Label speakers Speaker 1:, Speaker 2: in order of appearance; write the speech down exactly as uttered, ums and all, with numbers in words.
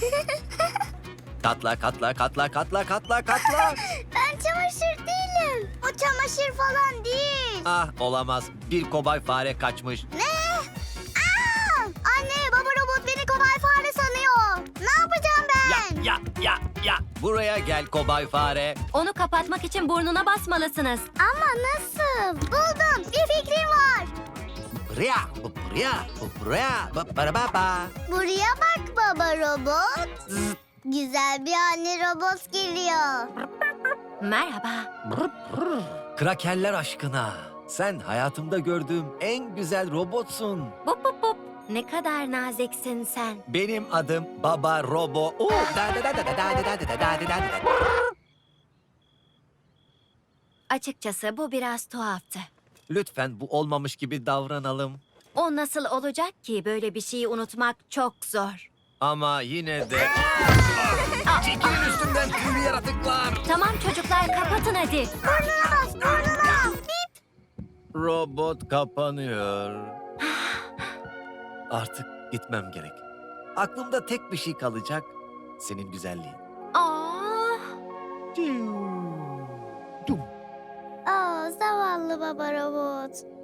Speaker 1: Katla katla katla katla katla katla.
Speaker 2: Ben çamaşır değilim. O çamaşır falan değil.
Speaker 1: Ah olamaz. Bir kobay fare kaçmış.
Speaker 2: Ne? Aa! Anne, baba robot beni kobay fare sanıyor. Ne yapacağım ben?
Speaker 1: Ya ya ya ya. Buraya gel kobay fare.
Speaker 3: Onu kapatmak için burnuna basmalısınız.
Speaker 2: Ama nasıl? Buldum. Bir fikrim var.
Speaker 1: Buraya, bu buraya, bu buraya, bu para baba.
Speaker 2: Buraya bak baba robot. Güzel bir anne robot geliyor.
Speaker 3: Merhaba.
Speaker 1: Krakerler aşkına. Sen hayatımda gördüğüm en güzel robotsun.
Speaker 3: Bup bup bup. Ne kadar naziksin sen.
Speaker 1: Benim adım Baba Robo. Oo, da da da da da da da da da da da da.
Speaker 3: Açıkçası bu biraz tuhaftı.
Speaker 1: Lütfen bu olmamış gibi davranalım.
Speaker 3: O nasıl olacak ki? Böyle bir şeyi unutmak çok zor.
Speaker 1: Ama yine de... Çekilin üstümden tüylü yaratıklar.
Speaker 3: Tamam çocuklar, kapatın hadi.
Speaker 2: Burnuna bas, burnuna. Bip.
Speaker 1: Robot kapanıyor. Artık gitmem gerek. Aklımda tek bir şey kalacak. Senin güzelliğin.
Speaker 3: Aa,
Speaker 2: Aa, zavallı baba robot.